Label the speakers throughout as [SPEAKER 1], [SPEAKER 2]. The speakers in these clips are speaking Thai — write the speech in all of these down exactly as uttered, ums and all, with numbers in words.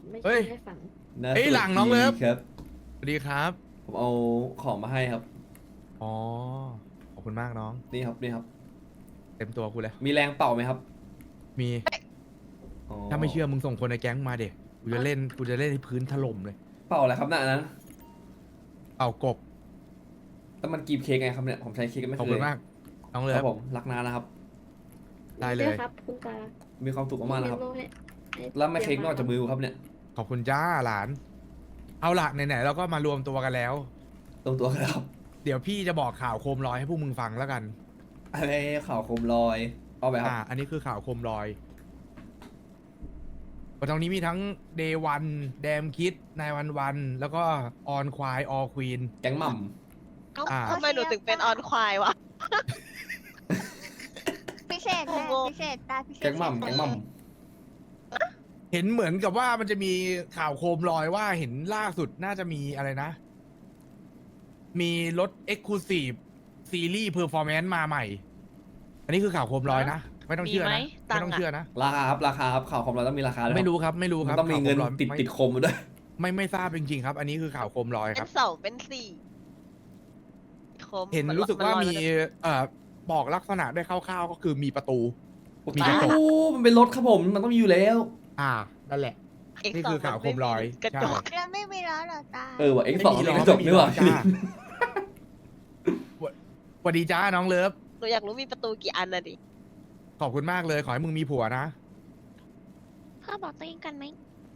[SPEAKER 1] ไม่
[SPEAKER 2] เฮ้
[SPEAKER 1] ใช่
[SPEAKER 2] ย
[SPEAKER 1] ให้ฝัน
[SPEAKER 2] เอ้ยหลังน้องเลิฟ
[SPEAKER 3] ครับ
[SPEAKER 2] สวัสดีครับ
[SPEAKER 3] ผมเอาของมาให้ครับ
[SPEAKER 2] อ๋อ ขอบคุณมากน้อง
[SPEAKER 3] นี่ครับนี่ครับ
[SPEAKER 2] เต็มตัวกูเลย
[SPEAKER 3] มีแรงเป่าไหมครับ
[SPEAKER 2] มี
[SPEAKER 3] อ๋อ
[SPEAKER 2] ถ้าไม่เชื่อมึงส่งคนในแก๊งมาเด็กกูจะเล่น กูจะเล่นให้พื้นถล่มเลย
[SPEAKER 3] เป่าอะไรครับน่ะอันนั้น
[SPEAKER 2] เป่ากบ
[SPEAKER 3] แต่มันกรีบเค้กไงครับเนี่ยผมใช้เค้กไม่
[SPEAKER 2] ขอบ
[SPEAKER 3] เค
[SPEAKER 2] คุ
[SPEAKER 3] ย
[SPEAKER 2] ณมาก น้องเลิ
[SPEAKER 3] ครั
[SPEAKER 2] ฟ
[SPEAKER 3] บผมรักนานะครับ
[SPEAKER 2] ได้เลย
[SPEAKER 1] ครับคุณตา
[SPEAKER 3] มีความสุขมากๆนะครับ
[SPEAKER 1] เมโให้ให้
[SPEAKER 3] แล้วไม่เค้กนอกจากมือครับเนี่ย
[SPEAKER 2] ขอบคุณจ้าหลาน เอาละไหนๆเราก็มารวมตัวกันแล้ว
[SPEAKER 3] ตรงตัวกันแล้วครับ
[SPEAKER 2] เดี๋ยวพี่จะบอกข่าวโคมลอยให้พวกมึงฟังแล้วกัน
[SPEAKER 3] อะไรข่าวโคมลอยเอาไปครับ
[SPEAKER 2] อ่า อันนี้คือข่าวโคมลอยตรงนี้มีทั้งเดวันแดมคิดนายวันวันแล้วก็ออนควายออควีน
[SPEAKER 3] แก๊งหม่
[SPEAKER 4] เอ้า
[SPEAKER 2] อ่า
[SPEAKER 4] ทำไมหนูถึงเป็นออนควายวะ
[SPEAKER 5] พิเศษแม่
[SPEAKER 4] โอ้โห
[SPEAKER 5] พิเศษตาพิเศษ
[SPEAKER 3] ำแก๊งหม่ำแก๊งหม่
[SPEAKER 2] เห็นเหมือนกับว่ามันจะมีข่าวโคมลอยว่าเห็นล่าสุดน่าจะมีอะไรนะ มีรถ Exclusive ซีรีส์เพอร์ฟอร์แมนซ์มาใหม่ อันนี้คือข่าวโคมลอยนะ ไม่ต้องเชื่อ
[SPEAKER 4] มีไหม
[SPEAKER 2] นะ
[SPEAKER 4] ตั
[SPEAKER 2] ไม่
[SPEAKER 4] งค์
[SPEAKER 2] ต้อง
[SPEAKER 4] อะ
[SPEAKER 2] เชื่อนะ
[SPEAKER 3] ำราคาครับราคาครับข่าวโคมลอยต้องมีราคาด้วย
[SPEAKER 2] ไม่รู้ครับ ไม่รู้
[SPEAKER 3] ค
[SPEAKER 2] ค
[SPEAKER 3] รั
[SPEAKER 2] รั
[SPEAKER 3] บบ ต้องมีเงิน
[SPEAKER 2] ข่าวโคลอย
[SPEAKER 3] ติด
[SPEAKER 2] ไม่
[SPEAKER 3] ติดคมมาด้วย
[SPEAKER 2] ไม่ไม่ทราบจริงๆครับ อันนี้คือข่าวโคมลอย
[SPEAKER 4] เป็
[SPEAKER 2] ครั
[SPEAKER 4] น
[SPEAKER 2] บ
[SPEAKER 4] สองเป็นสี่คม
[SPEAKER 2] เห็น
[SPEAKER 4] มั
[SPEAKER 2] รู้สึกว่ามี
[SPEAKER 4] นลอย
[SPEAKER 2] เอ่อบอกลักษณะได้คร่าวๆก็คือมีประตู มี
[SPEAKER 3] โอ้
[SPEAKER 2] กระจก
[SPEAKER 3] มันเป็นรถครับผมมันต้องมีอยู่แล้ว
[SPEAKER 2] อ่า นั่นแหละ
[SPEAKER 4] เอ็กซ์
[SPEAKER 2] นี่
[SPEAKER 4] สอง
[SPEAKER 2] คือข่าวโคมลอย
[SPEAKER 4] กระจก
[SPEAKER 5] แล้วไม่มีล้อเหรอตา
[SPEAKER 3] เออว่ะ X
[SPEAKER 2] ไม่
[SPEAKER 3] สอง
[SPEAKER 2] มี
[SPEAKER 3] มี
[SPEAKER 2] ล้อก
[SPEAKER 3] ระจก
[SPEAKER 2] ไม่มี
[SPEAKER 3] ด้วยว่ะ
[SPEAKER 2] ล้อจ้า สวัสดีจ้าน้องเลิฟ
[SPEAKER 4] หนูอยากรู้มีประตูกี่อันน่ะดิ
[SPEAKER 2] ขอบคุณมากเลย ขอให้มึงมีผัวนะ
[SPEAKER 5] พ่อบอกตัวเองกันไหม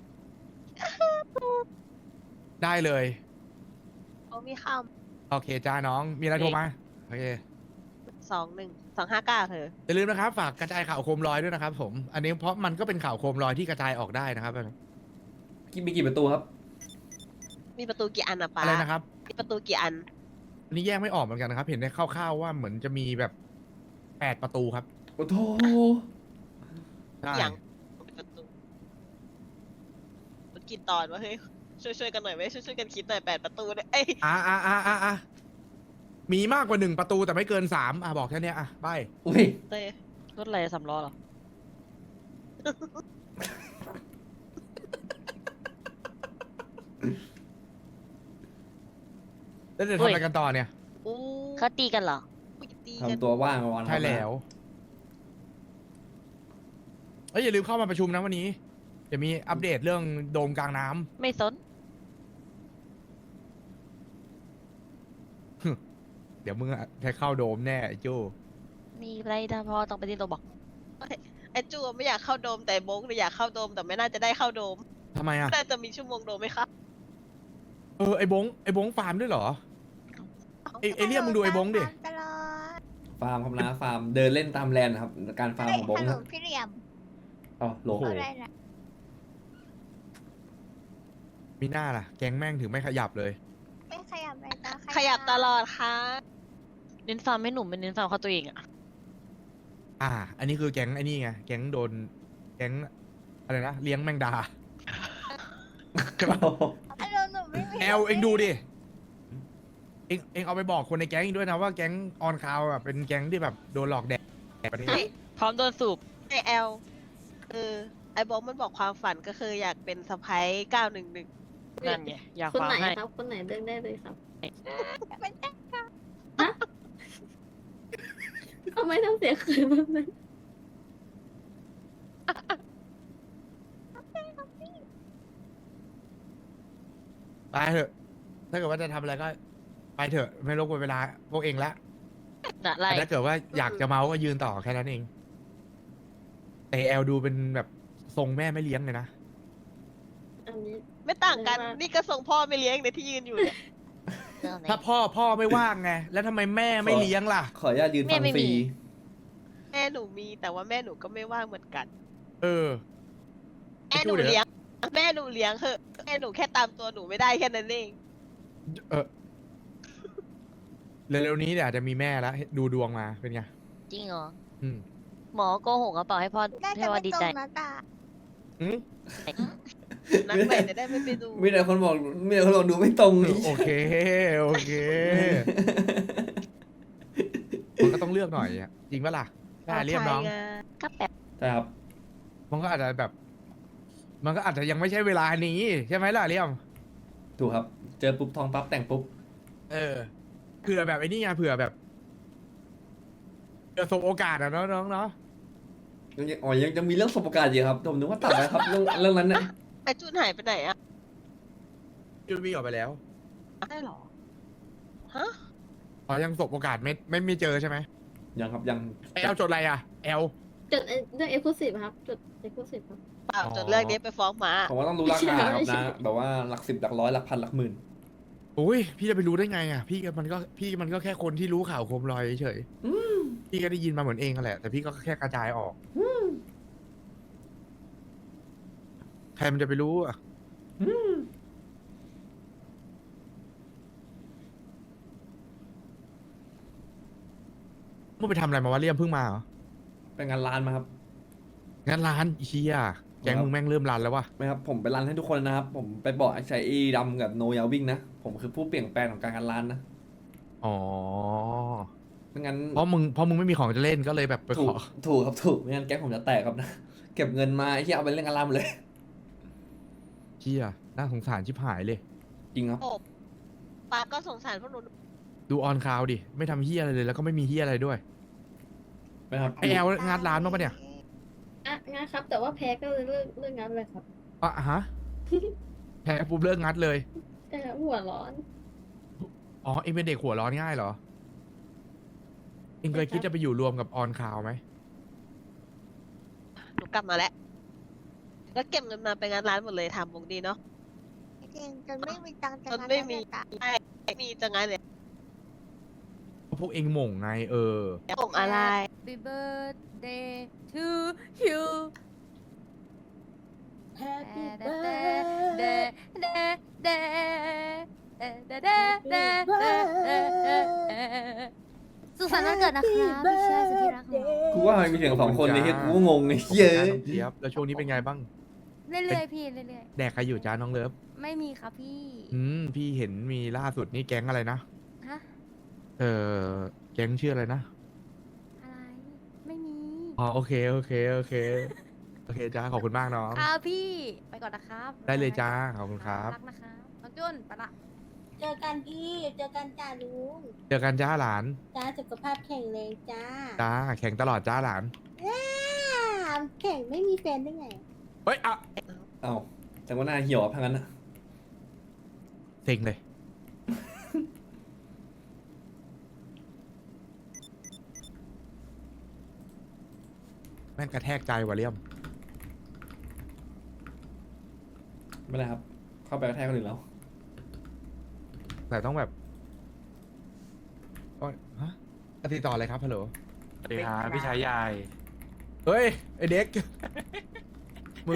[SPEAKER 2] ได้เลย
[SPEAKER 4] เขามีข้าว
[SPEAKER 2] โอเคจ้าน้อง มีอะไรโทรมา โอเค
[SPEAKER 4] สองหนึ่งสองห้าเก้าเธอ
[SPEAKER 2] อย่าลืมนะครับ ฝากกระจายข่าวโคมลอยด้วยนะครับผม อันนี้เพราะมันก็เป็นข่าวโคมลอยที่กระจายออกได้นะครับ
[SPEAKER 3] มีกี่ประตูครับ
[SPEAKER 4] มีประตูกี่อันอะป้า
[SPEAKER 2] อะไรนะครับ
[SPEAKER 4] มีประตูกี่อัน
[SPEAKER 2] อันนี้แยกไม่ออกเหมือนกันนะครับ เห็นได้คร่าวๆว่าเหมือนจะมีแบบแปดประตูครับ
[SPEAKER 3] โอ้โห
[SPEAKER 2] ใช่
[SPEAKER 4] อย่างเป็นประตูมันกี่ตอนวะเฮ้ยช่วยช่วยๆกันหน่อยไหมช่วยช่วยๆกันคิดหน่อยแปดประตูเนี่ยเอ้ย
[SPEAKER 2] อ่าอ่าอ่าอ่าอ่ามีมากกว่าหนึ่งประตูแต่ไม่เกินสามอ่ะบอกแค่เนี้ยอ่ะไป
[SPEAKER 3] อุ้ย
[SPEAKER 4] เต้ยรถอะไรสามล้อเหรอ
[SPEAKER 2] แล้วจะทำอะไรกันต่อเนี่ย
[SPEAKER 4] อู้
[SPEAKER 5] เขาตีกันเหรอ
[SPEAKER 4] อุ๊ยตีกัน
[SPEAKER 3] ทำตัวว่างมาวัน
[SPEAKER 2] ใช่แล้วเอ้ยอย่าลืมเข้ามาประชุมนะวันนี้ จะมีอัปเดตเรื่องโดมกลางน้ำ
[SPEAKER 4] ไม่สน
[SPEAKER 2] เดี๋ยวมึงอะได้เข้าโดมแน่ไอ้โจ้
[SPEAKER 5] มีไรดาพอต้องไปที่โรบอก
[SPEAKER 4] ไอ้จูไม่อยากเข้าโดมแต่โบงเนี่ยอยากเข้าโดมแต่ไม่น่าจะได้เข้าโดม
[SPEAKER 2] ทำไมอ่ะ
[SPEAKER 4] น่าจะมีชั่วโมงโดมไหมคะ
[SPEAKER 2] เออไอ้บงไอ้บงฟาร์มด้วยเหรอ ไอ้ไอ้เรียมมึงดูไอ้บงดิ
[SPEAKER 5] ตลอด
[SPEAKER 3] ฟาร์มครับนะฟาร์มเดินเล่นตามแลนด์ครับการฟาร์มของบง
[SPEAKER 5] ฮัลโหล
[SPEAKER 3] นะ
[SPEAKER 5] พี่เหลี่ยม
[SPEAKER 3] อ๋อโหล
[SPEAKER 2] โอ้โห
[SPEAKER 5] อะไรนะ
[SPEAKER 2] มีหน้าล่ะ แก๊งแม่งถึงไม่ขยับเลย
[SPEAKER 5] ไม่ขยับเลยตา
[SPEAKER 4] ขยับตลอดค่ะ
[SPEAKER 6] เน้นฟาร์มให้หนุ่มเป็นเน้นฟาร์มเขาตัวเองอะ
[SPEAKER 2] อ่า อันนี้คือแก๊งไอ้นี่ไง แก๊งโดน แก๊งอะไรนะ เลี้ยงแมงดา
[SPEAKER 5] ฮัลโหลหนูไม่มี
[SPEAKER 2] แอลเองดูดิ เองเองเอาไปบอกคนในแก๊งอีกด้วยนะว่าแก๊งออนคาวอ่ะเป็นแก๊งที่แบบโดนหลอกแดกประเทศ
[SPEAKER 6] พร้อมโดนสูบ
[SPEAKER 4] ไอแอลเออไอโบงมันบอกความฝันก็คืออยากเป็นสะพ้ายเก้าหนึ่งหนึ่ง
[SPEAKER 6] นั่นไงอยาก
[SPEAKER 1] คน
[SPEAKER 6] ฟาร์
[SPEAKER 1] ไห
[SPEAKER 6] ม
[SPEAKER 1] น
[SPEAKER 6] ให้
[SPEAKER 1] ครับ คนไหนเลือกได้เลยครับ
[SPEAKER 5] เป็นแค่
[SPEAKER 1] ทำไมต้องเสียคืนแบบนั้น
[SPEAKER 2] ไปเถอะ ถ้าเกิดว่าจะทำอะไรก็ ไปเถอะ ไม่รบกวนเวลาพวกเองละ
[SPEAKER 6] น่ะไล่
[SPEAKER 2] แต่ถ้าเกิดว่าอยากจะเมาก็ยืนต่อแค่นั้นเอง แต่แอลดูเป็นแบบทรงแม่ไม่เลี้ยงเลยนะ
[SPEAKER 1] อันนี้
[SPEAKER 4] ไม่ต่างกัน
[SPEAKER 1] ไม่ว่า
[SPEAKER 4] นี่ก็ส่งพ่อไม่เลี้ยงในที่ยืนอยู่เนี่ย
[SPEAKER 5] เรื่องไหน
[SPEAKER 2] ถ้าพ่อพ่อไม่ว่างไง แล้วทำไมแม่ไม่เลี้ยงล่ะ
[SPEAKER 3] ขออนุญาตยืนฟังฟรี
[SPEAKER 4] แม่หนูมีแต่ว่าแม่หนูก็ไม่ว่างเหมือนกัน
[SPEAKER 2] เออ
[SPEAKER 4] แม่หนูเลี้ยง แม่หนูเลี้ยงเหอะแม่หนูแค่ตามตัวหนูไม่ได้แค่นั้นเอง
[SPEAKER 2] เออเร็วๆนี้เดี๋ยวอาจจะมีแม่แล้วดูดวงมาเป็นไง
[SPEAKER 6] จริงเหรอ
[SPEAKER 2] อืม
[SPEAKER 6] หมอโกหกกระเป๋าให้พ่อ
[SPEAKER 5] น่า
[SPEAKER 6] ให้
[SPEAKER 5] จะ
[SPEAKER 6] พ่อ
[SPEAKER 5] ไม่
[SPEAKER 6] ดี
[SPEAKER 5] ตร
[SPEAKER 6] ใจ
[SPEAKER 5] งนะตา
[SPEAKER 2] อืม
[SPEAKER 4] นักเตะจะได้ไม่ไปดู
[SPEAKER 3] มีแต่คนบอกมีแต่คนบอกดูไม่ตรงนี่
[SPEAKER 2] โอเค โอเค มันก็ต้องเลือกหน่อยอะจริงปะล่ะได้เรียบน้อง
[SPEAKER 4] ใช่ไ
[SPEAKER 5] ก็แบบ
[SPEAKER 3] ใช่ครับ
[SPEAKER 2] มันก็อาจจะแบบมันก็อาจจะยังไม่ใช่เวลานี้ใช่ไหมล่ะเลี่ยม
[SPEAKER 3] ถูกครับ เจอปุ๊บทองปั๊บแต่งปุ๊บ
[SPEAKER 2] เออเผื่อแบบไอ้นี่ไงเผื่อแบบเผื่อสบโอกาสอะเนาะน้องเนาะ
[SPEAKER 3] ยังยังอ๋อยังยังมีเรื่องสบการณ์อยู่ครับผมนึกว่าตัดแล้วครับเรื่องเรื่องนั้นเนี่ย
[SPEAKER 4] ไอจุนหายไปไหนอะ
[SPEAKER 2] จุดวิ่งออกไปแล้ว
[SPEAKER 4] ได้หรอ ฮะ
[SPEAKER 2] อ๋อยังสบโอกาสไม่ไม่ไม่เจอใช่ไหม
[SPEAKER 3] ยังครับยัง
[SPEAKER 2] แอลจดอะไรอะแอล
[SPEAKER 1] จดไอ้เรื่องเอ็กซ์คลูซีฟครับจดเอ็กซ์คลูซีฟครับ
[SPEAKER 4] เปล่า
[SPEAKER 2] อ๋อ
[SPEAKER 4] จนเรื่องนี้ไปฟ้องหมา
[SPEAKER 3] ผมว่าต้องรู้ราคาครับ
[SPEAKER 1] ไม่ใช่
[SPEAKER 3] นะแบบว่าหลักสิบหลักร้อยหลักพันหลักหมื่น
[SPEAKER 2] โอ้ยพี่จะไปรู้ได้ไงอะพี่ก็มันก็พี่มันก็แค่คนที่รู้ข่าวโคมลอยเฉยๆพี่ก็ได้ยินมาเหมือนเองนั่นแหละแต่พี่ก็แค่กระจายออกใครมันจะไปรู้อะมึงไปทำอะไรมาวะเลี่ยมเพิ่งมาเหรอ
[SPEAKER 3] เป็นงานร้านมาครับ
[SPEAKER 2] งั้นร้านอีเชียแกงมึงแม่งเริ่มรันแล้ววะ
[SPEAKER 3] ไม่ครับผมไปร้านให้ทุกคนนะครับ ผมไปบอกไอ้ชัยอีดำกับโนยาวิ่งนะ ผมคือผู้เปลี่ยนแปลงของการงานร้านนะ
[SPEAKER 2] อ๋อ
[SPEAKER 3] ไม่งั้น
[SPEAKER 2] เพราะมึงเพราะมึงไม่มีของจะเล่นก็เลยแบบไป
[SPEAKER 3] ถู
[SPEAKER 2] ข
[SPEAKER 3] ก
[SPEAKER 2] อ
[SPEAKER 3] ถูกครับถูกไม่งั้นแก๊งผมจะแตกครับนะ เก็บเงินมาไอ้ที่เอาไปเล่นงานร้านหมดเลย
[SPEAKER 2] เชียน่าสงสารชิบหายเลย
[SPEAKER 3] จริงครับ
[SPEAKER 4] โอบป้าก็สงสารพวกหนู
[SPEAKER 2] ดูออนคาวดิ ไม่ทำเฮียอะไรเลยแล้วก็ไม่มีเฮียอะไรด้วย
[SPEAKER 3] ไม่ครับ
[SPEAKER 2] ไอแอลงานร้านบ้างปะเนี่ย
[SPEAKER 1] อ่ะงานครับ แต่ว่าแพ้ก็เลยเลิกเลิกงานเลยครับ
[SPEAKER 2] อ่ะฮะ แพ้ปุ๊บเลิกงัดเลย
[SPEAKER 1] แต่หัวร้อน
[SPEAKER 2] อ๋อ เองเป็นเด็กหัวร้อนง่ายเหรอ เองเคยคิดจะไปอยู่รวมกับออนคาวไหม
[SPEAKER 4] หนูกลับมาแล้ว แล้วเก็บเงินมาไปงานร้านหมดเลยทำวงดีเนาะ
[SPEAKER 5] จริงๆจนไม่มีตังค์จะ
[SPEAKER 4] จนไม่มี
[SPEAKER 5] ตังค์
[SPEAKER 4] ใช่มีจังไงเลย
[SPEAKER 2] พวกเองหม่งไงเออ
[SPEAKER 4] ส่งอะไร
[SPEAKER 7] Happy birthday to you
[SPEAKER 1] Happy
[SPEAKER 7] birthday birthday สุขสันต์วันเกิดนะครับพี่ชายสุดที่รักของเรา
[SPEAKER 3] กูว่ามันมีเสียงสองคนในที่กูก็งงไอ้เหี้ย
[SPEAKER 2] จ้าน้องเจี๊ยบแล้วช่วงนี้เป็นไงบ้าง
[SPEAKER 7] เรื่อยๆพี่เรื่อย
[SPEAKER 2] แดกใครอยู่จ้าน้องเลิฟ
[SPEAKER 7] ๆ ไม่มีครับพี่
[SPEAKER 2] อืม พี่เห็นมีล่าสุดนี่แก๊งอะไรนะ
[SPEAKER 7] ฮะ
[SPEAKER 2] เออแก๊งชื่ออะไรนะ
[SPEAKER 7] อะไร ไม่มี
[SPEAKER 2] อ๋อโอเคโอเคโอเค โอเคจ้าขอบคุณมากน้อง
[SPEAKER 7] ครับพี่ ไปก่อนนะครับ
[SPEAKER 2] ได้เลยจ้าขอบคุณครับ
[SPEAKER 7] รักนะครับน้องจุนไปละ
[SPEAKER 5] เจอกันพี่เจอกันจ้าลุง
[SPEAKER 2] เจอกันจ้าหลาน
[SPEAKER 5] จ้าสุขภาพแข็งแรงจ้า
[SPEAKER 2] จ้าแข่งตลอดจ้าหลาน
[SPEAKER 5] อ้าวแข่งไม่มีแฟนได้ไง
[SPEAKER 2] เฮ้ยอ่ะ
[SPEAKER 3] เอ้าแต่ว่าหน้าเหี่ยวอะพังนั้นนะ
[SPEAKER 2] เซ็งเลย แม่งกระแทกใจว่ะเลี่ยม
[SPEAKER 3] ไม่ได้ครับ เข้าไปกระแทกคนอื่นแล้ว
[SPEAKER 2] แต่ต้องแบบโอ๊ยฮะติดต่ออะไรครับฮัลโหล
[SPEAKER 8] สวัสดีครับพี่ชายใหญ่
[SPEAKER 2] เฮ้ย ไอเด็ก มึง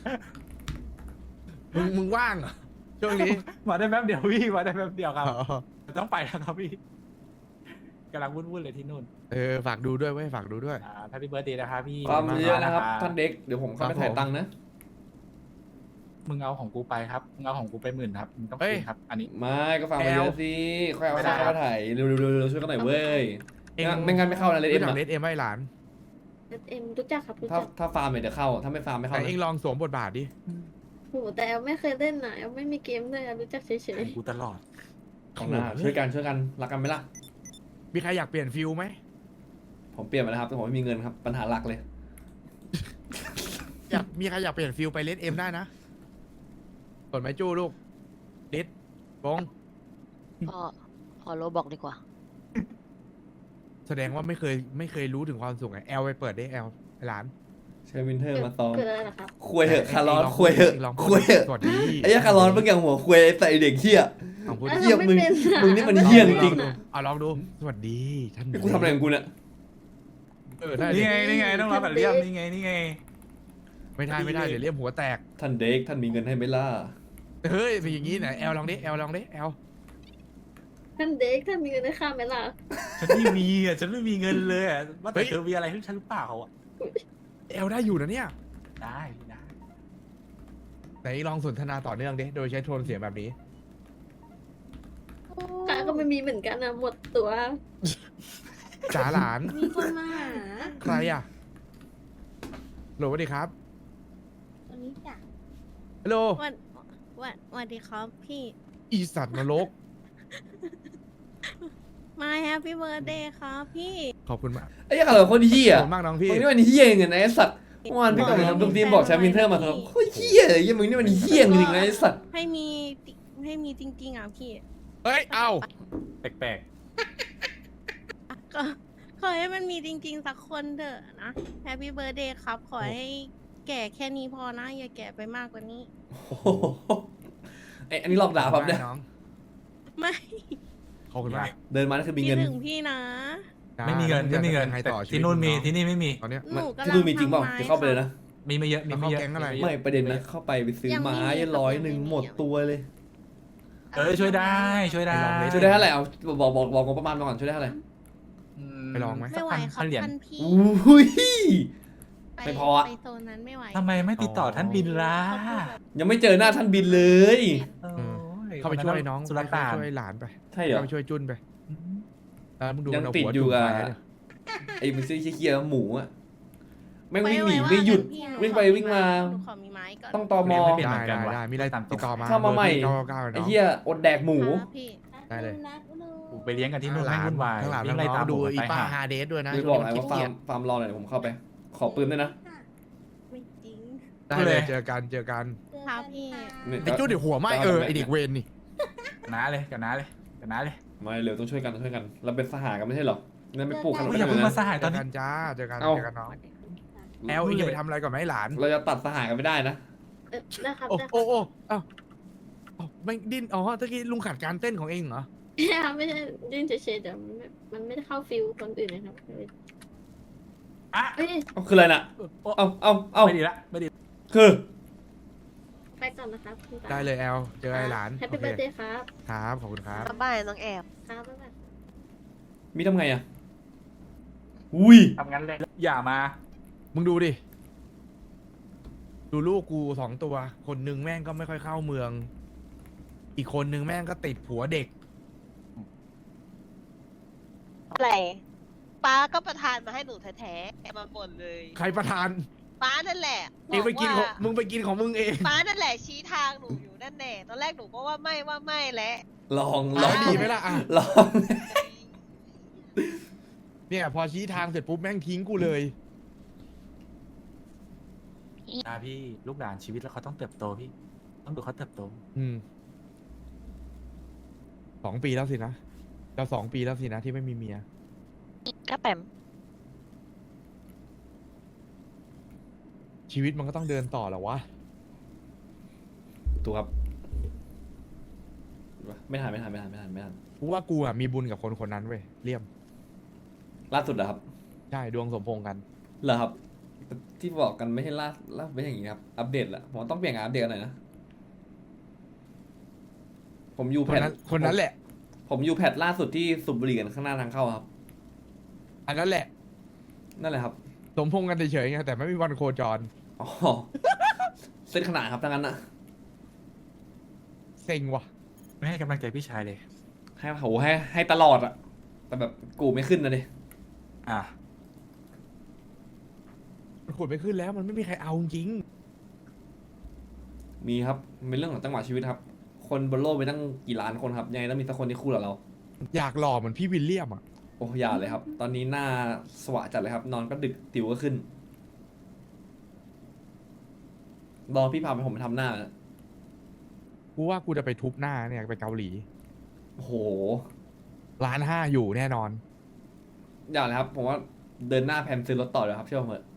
[SPEAKER 2] มึง มึงว่างเหรอช่วงนี้
[SPEAKER 8] มาได้แป๊บเดียวพี่มาได้แป๊บเดียวครับ
[SPEAKER 2] อ๋อ
[SPEAKER 8] ต้องไปแล้วครับพี่กำลังวุ่นๆเลยที่นู่น
[SPEAKER 2] เออ ฝากดูด้วยเว้ย ฝากดูด้วย
[SPEAKER 8] อ่าแฮปปี้เบิร์ดเดย์นะครับพี่
[SPEAKER 3] ความ
[SPEAKER 2] ขอบคุณมาก
[SPEAKER 3] เยอะนะครับ ท่านเด็ก เดี๋ยวผมเข้าไป
[SPEAKER 2] ครับผม
[SPEAKER 3] ถ่ายตังค์นะ
[SPEAKER 8] มึงเอาของกูไปครับมึงเอาของกูไปหมื่นครับมึงต้อง
[SPEAKER 2] เอ้ย
[SPEAKER 8] คืนครับ อันนี้
[SPEAKER 3] ไม่ก็ฟังมาเยอะสิค่อยเอา
[SPEAKER 8] ไม่ได้
[SPEAKER 3] เข้ามาถ่ายเร็วๆๆๆช่วยกันหน่อยเว้ย
[SPEAKER 2] เอง
[SPEAKER 3] ไม่งั้นไม่เข้านะเลดเอ็ม
[SPEAKER 2] รู้จัก
[SPEAKER 3] อะ
[SPEAKER 2] เลดเอ็มไหมหลาน
[SPEAKER 1] เอ็มรู้จักครับรู้
[SPEAKER 3] ถ้า
[SPEAKER 1] จัก
[SPEAKER 3] ถ้าฟาร์มเนี่ยเดี๋ยวเข้า ถ้าไม่ฟาร์มไม่เข้า
[SPEAKER 2] แต่
[SPEAKER 3] นะ
[SPEAKER 2] เองลองสวมบทบาทดิ
[SPEAKER 1] โหแต่แอลไม่เคยเล่นนะแอลไม่มีเกมเลยแอลรู้จักเฉย
[SPEAKER 8] ของกูตลอด
[SPEAKER 3] ของหน้าช่วยกันช่วยกันรักกันไหมล่ะ
[SPEAKER 2] มีใครอยากเปลี่ยนฟิลไหม
[SPEAKER 3] ผมเปลี่ยนมาแล้วครับแต่ผมไม่มีเงินครับ ปัญหาหลักเลย
[SPEAKER 2] อยาก มีใครอยากเปลี่ยนฟิลไปเลดเอ็มได้นะกดไม้จู้ลูกดิดบง
[SPEAKER 6] พ่อขอโลบอกดีกว่า
[SPEAKER 2] แสดงว่าไม่เคย ไม่เคยรู้ถึงความสุขไงแอลไปเปิดได้แอลหลาน
[SPEAKER 3] ใช้วินเทอ
[SPEAKER 1] ๆ
[SPEAKER 3] ร์มาซ้อม
[SPEAKER 1] เกิดอะไรเหรอครับ
[SPEAKER 3] คุยเหอะคาร์ลอส
[SPEAKER 2] งง
[SPEAKER 3] คุยเหอะ
[SPEAKER 2] งลอง
[SPEAKER 3] คุยเหอะ
[SPEAKER 2] สวัสดี
[SPEAKER 3] ไอ้เหี้ยคาร์ลอสเมื่อกี้หัวคุยใส่เด็กเหี้ย
[SPEAKER 2] ลองพูด
[SPEAKER 1] อ่ะ
[SPEAKER 3] เหี้ย
[SPEAKER 1] รา
[SPEAKER 3] มึง
[SPEAKER 1] ไป็อะ
[SPEAKER 3] มึงนี่มัน
[SPEAKER 1] ราไ
[SPEAKER 3] เหี้ยจริง
[SPEAKER 1] ป็นอะ
[SPEAKER 2] เอาลองดู สวัสดีท่าน
[SPEAKER 3] กูทำอะไรของกูเนี่ย
[SPEAKER 2] เออได้
[SPEAKER 8] นี่
[SPEAKER 2] ดิ
[SPEAKER 8] ไงนี่ไงต้องรับแบบเรียมนี่ไงนี่ไง
[SPEAKER 2] ไม่ได้ไม่ได้เดี๋ยวเลี่ยมหัวแตก
[SPEAKER 3] ท่านเด็กท่านมีเงินให้ไหมล่ะ
[SPEAKER 2] เฮ้ยเป็นอย่างนี้ไหนแอลลองดิแอลลองดิแอล
[SPEAKER 1] ท่านเด็กท่านมีเงินได้ค่าไหมล่ะ
[SPEAKER 8] ฉันไม่มีอ่ะฉันไม่มีเงินเลยอ่ะว่าแต่เธอมีอะไรให้ฉันหรือเปล่าอ่ะ
[SPEAKER 2] แอลได้อยู่นะเนี่ย
[SPEAKER 8] ได้ได้
[SPEAKER 2] ไหนลองสนทนาต่อเนื่องดิโดยใช้โทนเสียงแบบนี้
[SPEAKER 1] ข้าก็ไม่มีเหมือนกันนะหมดตัว
[SPEAKER 2] จ๋าหลาน
[SPEAKER 5] มีคนมาหา
[SPEAKER 2] ใครอ่ะโหลสวัสดีครับ
[SPEAKER 5] ตอนนี้จ้ะ
[SPEAKER 2] ฮัลโหล
[SPEAKER 7] วันวันวันดีครับพี่
[SPEAKER 2] อีสัตว์นรก
[SPEAKER 7] มาแฮปปี้เบิร์ดเดย์ครับพี่
[SPEAKER 2] ขอบคุณมาก
[SPEAKER 3] ไอ้เหี้ยอะไรคนเหี้
[SPEAKER 2] ข
[SPEAKER 3] ย
[SPEAKER 2] อบคุณมากน้องพี่
[SPEAKER 3] มึงนี่มันเหี้ยเงินไอ้สัตว์เมื่อวานพี่กับทำตุ้มทีมบอกแชมป์วินเทอร์มาครับโคตรเหี้ยเลยเหี้ยมึงนี่มันเหี้ยจริงๆนะไอ้สัตว์
[SPEAKER 7] ให้มีติให้มีจริงๆอ่ะพี่
[SPEAKER 2] เฮ้ย เอา
[SPEAKER 8] แปลก
[SPEAKER 7] ก็ขอให้มันมีจริง ๆ สักคนเถอะนะแฮปปี้เบิร์ดเดย์ครับ ขอให้แก่แค่นี้พอนะ อย่าแก่ไปมากกว่านี้
[SPEAKER 3] โอ้โหไอ้อันนี้หลอกด่าครับเนี่ย
[SPEAKER 2] น้อง
[SPEAKER 7] ไม่
[SPEAKER 2] ขอบคุณมาก
[SPEAKER 3] เดินมานั่นคือมี
[SPEAKER 7] คิด
[SPEAKER 3] เงิน
[SPEAKER 7] ถึงพี่นะ
[SPEAKER 8] ๆ ไม่มีเงินไม่มีเงิน
[SPEAKER 2] ยังไง
[SPEAKER 8] แต่
[SPEAKER 2] ต่อชีวิ
[SPEAKER 8] ที่
[SPEAKER 2] ต
[SPEAKER 8] นู่นมี
[SPEAKER 2] อง
[SPEAKER 8] ที่นี่ไม่มี
[SPEAKER 2] ตอนเนี้ย
[SPEAKER 7] หนูกำ
[SPEAKER 3] ที่
[SPEAKER 7] ลัง
[SPEAKER 3] นู่นมีจริงเปล่า
[SPEAKER 7] ทำไม้
[SPEAKER 3] จะเข้าไปเลยนะ
[SPEAKER 8] มีไม่เยอะมีไม่เยอะ
[SPEAKER 2] เข้าแก๊งอะไร
[SPEAKER 3] ไม่ประเด็นนะเข้าไปไปซื้อไม้ร้อยหนึ่งหมดตัวเลย
[SPEAKER 8] เออช่วยได้ช่วยได้
[SPEAKER 2] ไปลองเลย
[SPEAKER 3] ช่วยได้เท่าไหร่เอาบอกบอกบอกงบประมาณมาก่อนช่วยได้เท่าไหร่
[SPEAKER 2] ไปลองไหม
[SPEAKER 7] ไม่ไหวครับ
[SPEAKER 8] พันเหรียญ
[SPEAKER 7] ท่านพี่
[SPEAKER 3] อุ้ย
[SPEAKER 7] ไป
[SPEAKER 3] ไม่พออะ
[SPEAKER 7] ไปโซนนั้นไม่ไหว
[SPEAKER 8] ทำไมไม่ติดต่อท่านบินล่ะ
[SPEAKER 3] ยังไม่เจอหน้าท่านบินเลย
[SPEAKER 8] โอ้ย
[SPEAKER 2] เข้าไปช่วยน้อง
[SPEAKER 8] สุร
[SPEAKER 2] เข้า
[SPEAKER 8] ตาน
[SPEAKER 2] ไปช่วยหลานไป
[SPEAKER 3] ใช่เหรอ
[SPEAKER 2] เข้าไปช่วยจุนไปแล้วมึงดู
[SPEAKER 3] ยัง
[SPEAKER 2] มันเอา
[SPEAKER 3] ติด
[SPEAKER 2] หัว
[SPEAKER 3] อยู่
[SPEAKER 2] จุ่ม
[SPEAKER 3] กับ
[SPEAKER 2] ไปเนี่ย
[SPEAKER 3] ไอ้มันซื้อเคี้ยวๆหมูอะแม่ง
[SPEAKER 7] ไป
[SPEAKER 3] วิ่งหนี
[SPEAKER 7] ไว่า
[SPEAKER 3] ไม่หยุด
[SPEAKER 7] กันพี่
[SPEAKER 3] วิ่งไป
[SPEAKER 7] นูขอ
[SPEAKER 3] วิ่งมา
[SPEAKER 7] หนูขอมีไม้ก่อน
[SPEAKER 3] ต้องตอมอ
[SPEAKER 8] เปลี่ยน
[SPEAKER 2] ได้
[SPEAKER 8] เหมือนกัน
[SPEAKER 2] ได้
[SPEAKER 8] วะ
[SPEAKER 2] ได้มีอะไร
[SPEAKER 8] ตามตรง
[SPEAKER 2] ติดต่อมา
[SPEAKER 3] เข้ามาใหม่
[SPEAKER 2] เก้าเก้า
[SPEAKER 3] ไอ้
[SPEAKER 2] เนาะ
[SPEAKER 3] เหี้ยอดแดกหมู
[SPEAKER 7] ครับพี่
[SPEAKER 2] ได้เลย
[SPEAKER 5] รักลูก
[SPEAKER 8] กูไปเลี้ยงกันที่นู่น
[SPEAKER 2] หลา
[SPEAKER 8] ไม่
[SPEAKER 2] น
[SPEAKER 8] วุ่นวาย
[SPEAKER 2] ข้างหลัง
[SPEAKER 8] วิ่งไล่
[SPEAKER 2] น้
[SPEAKER 8] ตา
[SPEAKER 2] อ
[SPEAKER 8] ม
[SPEAKER 2] งๆดู
[SPEAKER 8] ผม
[SPEAKER 2] อี
[SPEAKER 8] ไป
[SPEAKER 2] ป้า
[SPEAKER 8] หา
[SPEAKER 2] ฮาเดสด้วยนะ
[SPEAKER 3] ไม่
[SPEAKER 2] ช่
[SPEAKER 3] บ
[SPEAKER 2] ว
[SPEAKER 3] อง ก
[SPEAKER 2] นี้
[SPEAKER 3] ไง
[SPEAKER 2] มัน
[SPEAKER 3] ว่า
[SPEAKER 2] ขี้
[SPEAKER 3] ฟา
[SPEAKER 2] เกี
[SPEAKER 3] ร์
[SPEAKER 2] ย
[SPEAKER 3] ม
[SPEAKER 2] จ
[SPEAKER 3] ฟาร์มรอหน่อยผมเข้าไป ขอปืนด้วยนะ
[SPEAKER 2] ได้เลยเจอกันเจอกัน
[SPEAKER 7] ครับพี่
[SPEAKER 3] เนี่ย
[SPEAKER 2] ไอ้จุดเดี๋ยวหัวไหมเออไอเด็กเวรนี่
[SPEAKER 8] น้าเลยกับน้าเลยกับน้าเลย
[SPEAKER 3] ไม่เร็วต้องช่วยกันต้องช่วยกันเราเป็นสหายกันไม่ใช่เหรอนั่นไม่ปลูกขนม
[SPEAKER 8] โอ้ย
[SPEAKER 3] กั
[SPEAKER 8] อน ย่าเพิ่ง
[SPEAKER 3] เลย
[SPEAKER 8] มา
[SPEAKER 3] นะ
[SPEAKER 8] สหาย
[SPEAKER 2] เจ
[SPEAKER 8] ตอน
[SPEAKER 2] อ
[SPEAKER 8] นี้
[SPEAKER 2] กันจ้าเจอกัน
[SPEAKER 3] เอ้า
[SPEAKER 2] เจอกันน้องแอลเองอย่าไปทำอะไรก่อนไหมหลาน
[SPEAKER 3] เราจะตัดสหายกันไม่ได้นะ
[SPEAKER 1] เออนะครับ
[SPEAKER 2] โอ้
[SPEAKER 1] ได้
[SPEAKER 2] โอ้โอ้เอ้าเอ้าไม่ดิ้นอ๋อตะกี้ลุงขัดการเต้นของเองเหรอ
[SPEAKER 1] ครับไม่ใช่ยื่นเฉยๆแต่มันไม่มันไม่ได้เข้าฟิลคนอื่นนะครับ
[SPEAKER 8] อ่ะ
[SPEAKER 1] เอ้ย
[SPEAKER 3] เอาคืออะไรน่ะ
[SPEAKER 8] โอ้
[SPEAKER 3] เอาเอาเอา
[SPEAKER 8] ไม่ดีละไม่ดี
[SPEAKER 3] คือ
[SPEAKER 1] ไปก่อนนะครับคุณตา
[SPEAKER 2] ได้เลยแอลเจอไอ้หลาน
[SPEAKER 1] แฮป
[SPEAKER 2] โอ
[SPEAKER 1] ปี้
[SPEAKER 2] เค
[SPEAKER 1] เบิร์ดเดย์ครับ
[SPEAKER 2] ครับขอบคุณครับ
[SPEAKER 4] บ๊ายบายน้องแอบ
[SPEAKER 1] ครับบ๊ายบาย
[SPEAKER 3] มีทำไงอ่ะอุ้ย
[SPEAKER 8] ทำงั้นเลยอย่ามา
[SPEAKER 2] มึงดูดิ ดูลูกกูสองตัว คนหนึ่งแม่งก็ไม่ค่อยเข้าเมือง อีกคนหนึ่งแม่งก็ติดผัวเด็ก
[SPEAKER 4] อะไรป้าก็ประทานมาให้หนูแท้ๆมาบ่นเลย
[SPEAKER 2] ใครประทาน
[SPEAKER 4] ป้านั่นแหละ
[SPEAKER 2] เองไปกินของ
[SPEAKER 4] ว่า
[SPEAKER 2] มึงไปกินของมึงเอง
[SPEAKER 4] ป้านั่นแหละชี้ทางหนูอยู่นั่นแน่ตอนแรกหนูก็ว่าไม่ว่าไม่แหละ
[SPEAKER 3] ลองล
[SPEAKER 2] ร้
[SPEAKER 3] อ
[SPEAKER 2] อง ยดีไหมล่ะอ่ะ
[SPEAKER 3] ลอง
[SPEAKER 2] เนี่ย พอชี้ทางเสร็จปุ๊บแม่งทิ้งกูเลย
[SPEAKER 8] นะพี่ลูกหลานชีวิตแล้วเขาต้องเติบโตพี่ ต้องดูเขาเติบโต
[SPEAKER 2] อืมสองปีแล้วสินะเราสองปีแล้วสินะที่ไม่มีเมีย
[SPEAKER 6] ก็แปม
[SPEAKER 2] ชีวิตมันก็ต้องเดินต่อแหละวะ
[SPEAKER 3] ถูกครับไม่ทันไม่ทันไม่ทันไม่ทันไม่ทัน
[SPEAKER 2] กูว่ากูอ่ะมีบุญกับคนคนนั้นเว้ยเลี่ยม
[SPEAKER 3] ล่าสุดเหรอครับ
[SPEAKER 2] ใช่ดวงสมพงษ์กัน
[SPEAKER 3] เหรอครับ ที่บอกกันไม่ใช่ล่าล่าไม่ใช่อย่างนี้ครับ อัปเดตละผมว่าต้องเปลี่ยนงานอัปเดตกันหน่อยนะ ผมอยู่
[SPEAKER 2] ค
[SPEAKER 3] แพ
[SPEAKER 2] น
[SPEAKER 3] ท
[SPEAKER 2] นั้นคนนั้นแหละ
[SPEAKER 3] ผมอยู่แพทล่าสุดที่สูบบุหรี่กันข้างหน้าทางเข้าครับ
[SPEAKER 2] อันนั้นแหละ
[SPEAKER 3] นั่นแหละครับ
[SPEAKER 2] สมพงษ์กันเฉยๆไงแต่ไม่มีวันโคจร
[SPEAKER 3] อ๋อ เส้นขนาดครับทั้งนั้นนะ
[SPEAKER 2] เซ็งว่ะ
[SPEAKER 8] ไม่ให้กำลังใจพี่ชายเลย
[SPEAKER 3] ให้โหให้ให้ตลอดอะแต่แบบกูไม่ขึ้นนะดิ
[SPEAKER 8] อ่ะ
[SPEAKER 2] มันขุดไม่ขึ้นแล้วมันไม่มีใครเอาจริง
[SPEAKER 3] มีครับเป็นเรื่องของจังหวะชีวิตครับ คนบนโลกไปตั้งกี่ล้านคนครับยังไงต้องมีสักคนที่คู่กับเรา
[SPEAKER 2] อยากหล่อเหมือนพี่วิลเลียมอ่ะ
[SPEAKER 3] โอ้อย่าเลยครับ ตอนนี้หน้าสว่างจัดเลยครับ นอนก็ดึกติวก็ขึ้นรอพี่พาไปผมไปทำหน้า
[SPEAKER 2] กูว่ากูจะไปทุบหน้าเนี่ยไปเกาหลี
[SPEAKER 3] โอ้โห
[SPEAKER 2] ร้านห้าอยู่แน่นอน
[SPEAKER 3] อย่าเลยครับ ผมว่าเดินหน้าแพนซื้อรถต่อเลยครับเชื่อผมเถอะ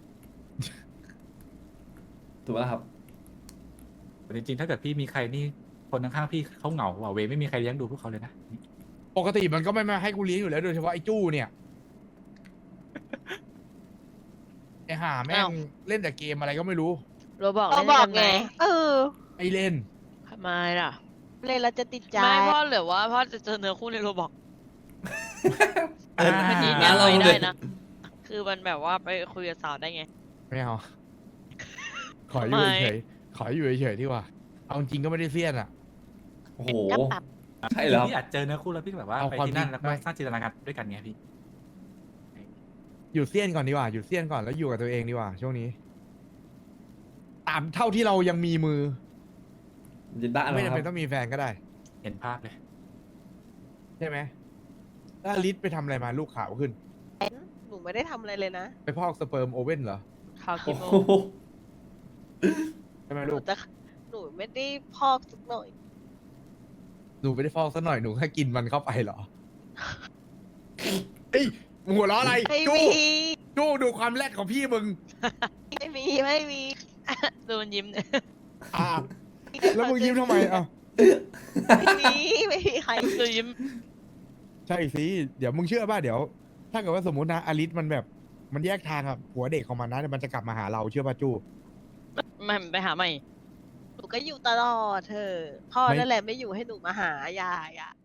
[SPEAKER 3] ถูกแล้วครับ
[SPEAKER 8] แต่จริงๆถ้าเกิดพี่มีใครนี่คนข้างๆพี่เขาเหงาว่ะเวไม่มีใครเลี้ยงดูพวกเขาเลยนะ
[SPEAKER 2] ปกติมันก็ไม่มาให้กูเลี้ยงอยู่แล้วโดยเฉพาะไอ้จู้เนี่ย ไอ้ห่าแม่
[SPEAKER 6] อ้าว
[SPEAKER 2] งเล่นแต่เกมอะไรก็ไม่รู้
[SPEAKER 6] โรบอก
[SPEAKER 4] ก็
[SPEAKER 6] เล่น
[SPEAKER 4] บอก
[SPEAKER 6] กัน
[SPEAKER 4] ไง
[SPEAKER 6] ไหม
[SPEAKER 4] เออ
[SPEAKER 2] ไอเล่น
[SPEAKER 6] ทำไมล่ะ
[SPEAKER 4] เล่นแล้วจะติดใจ
[SPEAKER 6] ไม่พ่อหรือว่าพ่อจะเจอเนื้อคู่ในโรบอก
[SPEAKER 3] เออ
[SPEAKER 6] มันยืน
[SPEAKER 3] งั้
[SPEAKER 6] ยัน
[SPEAKER 3] นเรา
[SPEAKER 6] ไว้
[SPEAKER 3] เล
[SPEAKER 6] ได้
[SPEAKER 3] ย
[SPEAKER 6] นะ คือมันแบบว่าไปคุยกับสาวได้ไง
[SPEAKER 2] ไม่เอา ขออยู่
[SPEAKER 6] ทำไม
[SPEAKER 2] เฉยๆขออยู่เฉยๆดีกว่า เอาจริงก็ไม่ได้เสี้ยนอ่ะ
[SPEAKER 3] โอ้โห
[SPEAKER 6] ก็ปรับ
[SPEAKER 3] ใช่เหรอครับ
[SPEAKER 8] พี่อาจเจอเนื้อคู่แล้วพี่แบบว่า
[SPEAKER 2] เอา
[SPEAKER 8] ไป
[SPEAKER 2] ความ
[SPEAKER 8] ที่นั่น
[SPEAKER 2] จริง
[SPEAKER 8] แล้วก็
[SPEAKER 2] ไม่
[SPEAKER 8] สร้างจินตนาการด้วยกันไงพี่
[SPEAKER 2] อยู่เสี้ยนก่อนดีกว่า อยู่เสี้ยนก่อนแล้วอยู่กับตัวเองดีกว่า ช่วงนี้ ตามเท่าที่เรายังมีมือ
[SPEAKER 3] จะด่าอะไร
[SPEAKER 2] ไม่
[SPEAKER 3] ค
[SPEAKER 2] จำ
[SPEAKER 3] รับ
[SPEAKER 2] เป็นต้องมีแฟนก็ได้
[SPEAKER 8] เห็นภาพเลย
[SPEAKER 2] ใช่ไหมแล้วอลิสไปทำอะไรมาลูกขาวขึ้น
[SPEAKER 4] หนูไม่ได้ทำอะไรเลยนะ
[SPEAKER 2] ไปพอกสเปิร์มโอเว่นเหรอ
[SPEAKER 6] ข่าว
[SPEAKER 3] โอ้
[SPEAKER 6] กี่โม
[SPEAKER 3] โห
[SPEAKER 6] ง
[SPEAKER 2] ใช่ไหม
[SPEAKER 4] หนู
[SPEAKER 2] ลูก
[SPEAKER 4] จะหนูไม่ได้พอกสักหน่อย
[SPEAKER 2] หนูไม่ได้ฟอกซะหน่อยหนูแค่กินมันเข้าไปเหรอเฮ้ยมึงหัวเราะอะไร
[SPEAKER 4] ไม่
[SPEAKER 2] จู้
[SPEAKER 4] มี
[SPEAKER 2] จู้ดูความแรดของพี่มึง
[SPEAKER 4] ไม่มีไม่มี
[SPEAKER 6] ดูมันยิ้มเนี่ย
[SPEAKER 2] อ่าแล้วมึงยิ้มทำไมอ่ะ
[SPEAKER 4] ไม่มีไม่มีใคร
[SPEAKER 6] ดูยิ้ม
[SPEAKER 2] ใช่สิเดี๋ยวมึงเชื่อป่ะเดี๋ยว ถ้าเกิดว่าสมมตินะอลิสมันแบบมันแยกทางกับผัวเด็กของมันนะเดี๋ยวมันจะกลับมาหาเราเชื่อป่ะจู้
[SPEAKER 6] ไม่ไปหาใหม่
[SPEAKER 4] หนูก็อยู่ตลอดเธอพ่อ
[SPEAKER 2] ไม่
[SPEAKER 4] นั่นแหละไม่อยู่ให้หนูมาหาอย่าอย่า